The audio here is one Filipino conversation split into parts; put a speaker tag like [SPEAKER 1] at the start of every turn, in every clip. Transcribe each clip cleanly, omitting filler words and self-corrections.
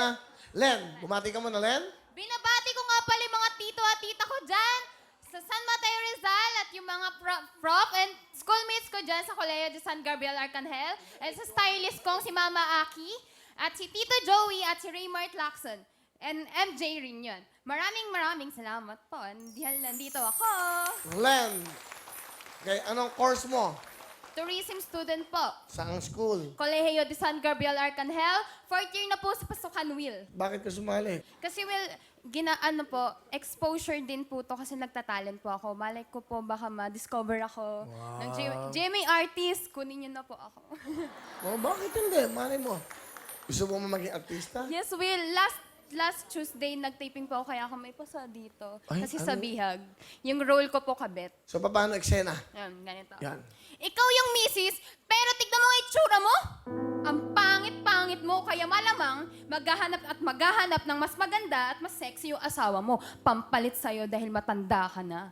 [SPEAKER 1] na. Len, bumati ka muna, Len.
[SPEAKER 2] Binabati ko nga pala yung mga tito at tita ko dyan sa San Mateo Rizal at yung mga prof and schoolmates ko dyan sa Colegio de San Gabriel Arcangel and sa stylist kong si Mama Aki at si Tito Joey at si Raymart Lacson and MJ rin yun. Maraming salamat po. Dahil nandito ako.
[SPEAKER 1] Len, okay, anong course mo?
[SPEAKER 2] Tourism student po.
[SPEAKER 1] Saang school?
[SPEAKER 2] Colegio de San Gabriel Arcangel. 4th year na po sa Pasukan Will.
[SPEAKER 1] Bakit ka sumali?
[SPEAKER 2] Kasi exposure din po to kasi nagtatalent po ako. Malay ko po baka ma-discover ako ng GMA artist. Kunin niyo na po ako.
[SPEAKER 1] Oh, bakit hindi? Malay mo. Gusto mo maging artista?
[SPEAKER 2] Yes, Will. Last Tuesday, nag-taping po ako kaya ako may pasa dito.
[SPEAKER 1] Ay,
[SPEAKER 2] Kasi
[SPEAKER 1] ano?
[SPEAKER 2] sa bihag. Yung role ko po kabet.
[SPEAKER 1] So, paano eksena?
[SPEAKER 2] Yan, ganito.
[SPEAKER 1] Yan.
[SPEAKER 2] Ikaw yung misis, pero tignan mo ang itsura mo. Ang pangit-pangit mo, kaya malamang maghahanap ng mas maganda at mas sexy yung asawa mo. Pampalit sa'yo dahil matanda ka na.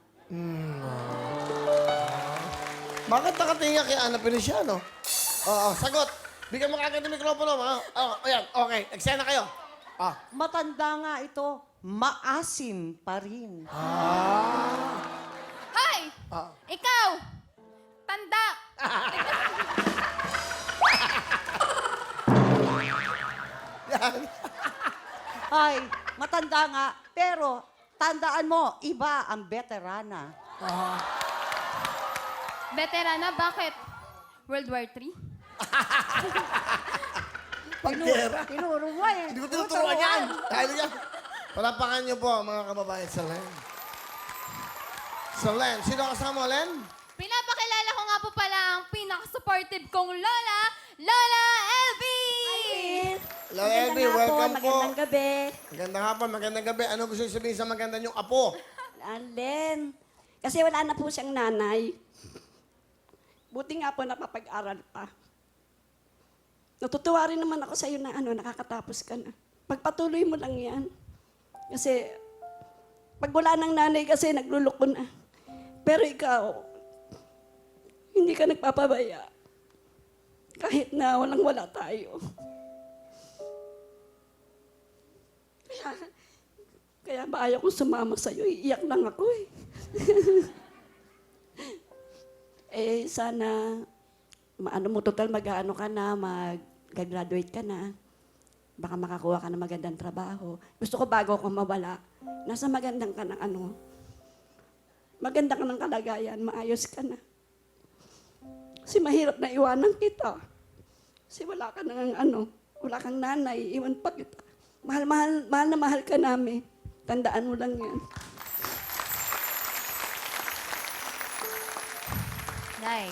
[SPEAKER 1] Bakit nakatinga kay Ana Feliciano? Oo, sagot. Bigyan mo kagad ng mikropono. Ayan, okay. Eksena kayo.
[SPEAKER 3] Matanda nga ito, maasim pa rin.
[SPEAKER 2] Hoy! Ikaw! Tanda!
[SPEAKER 1] Yan.
[SPEAKER 3] Ay, matanda nga, pero tandaan mo, iba ang veterana.
[SPEAKER 2] Veterana, bakit? World War III?
[SPEAKER 1] Pagkera.
[SPEAKER 3] Tinuro mo eh.
[SPEAKER 1] Hindi ko tinuturuan yan. Dahil yan. Palapakan niyo po, mga kababayan, sa Len. Sa Len. Sino kasama mo, Len?
[SPEAKER 2] Pinapakilala ko nga po pala ang pinaka-supportive kong lola, Lola Elvie!
[SPEAKER 1] Hello, Elvie. Welcome po.
[SPEAKER 4] Magandang gabi.
[SPEAKER 1] Magandang hapon, magandang gabi. Ano gusto niyo sabihin sa maganda niyong apo?
[SPEAKER 4] Len. Kasi wala na po siyang nanay. Buti nga po napapag-aral pa. Natutuwa rin naman ako sa iyo na nakakatapos ka na. Pagpatuloy mo lang yan. Kasi pag wala ng nanay kasi nagluloko na. Pero ikaw, hindi ka nagpapabaya. Kahit na walang-wala tayo. Kaya ba ayaw kong sumama sa'yo? Iiyak lang ako eh. Sana, total mag-ano ka na, mag-graduate ka na. Baka makakuha ka ng magandang trabaho. Gusto ko bago ako mawala, nasa magandang ka ng maganda ka ng kalagayan, maayos ka na. Kasi mahirap na iwanan kita. Kasi wala ka nang wala kang nanay, iwan pa kita. Mahal na mahal ka namin. Tandaan mo lang yan.
[SPEAKER 2] Nay.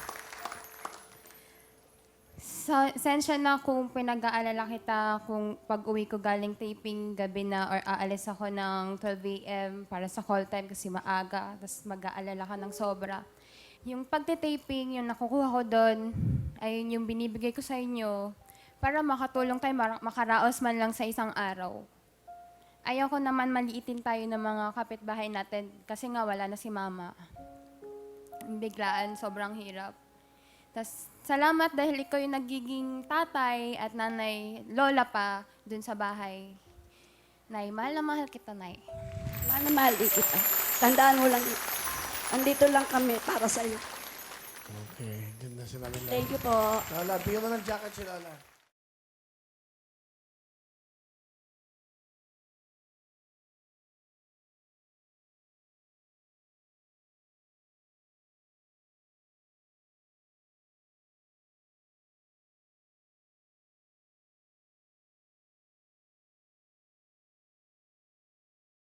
[SPEAKER 2] Sensya na kung pinag-aalala kita kung pag-uwi ko galing taping gabi na or aalis ako ng 12 a.m. para sa call time kasi maaga, tapos mag-aalala ka ng sobra. Yung pagtitaping, yung nakukuha ko doon, ayun yung binibigay ko sa inyo para makatulong tayo, makaraos man lang sa isang araw. Ayaw ko naman maliitin tayo ng mga kapitbahay natin kasi nga wala na si Mama. Biglaan, sobrang hirap. Tas salamat dahil ikaw yung nagiging tatay at nanay, lola pa dun sa bahay. Nay, mahal na mahal kita, Nay.
[SPEAKER 4] Mahal na mahal din kita. Tandaan mo lang, andito lang kami para sa'yo.
[SPEAKER 1] Okay, ganda sila nila.
[SPEAKER 4] Thank you po.
[SPEAKER 1] Lola, bigyan mo ng jacket si Lola.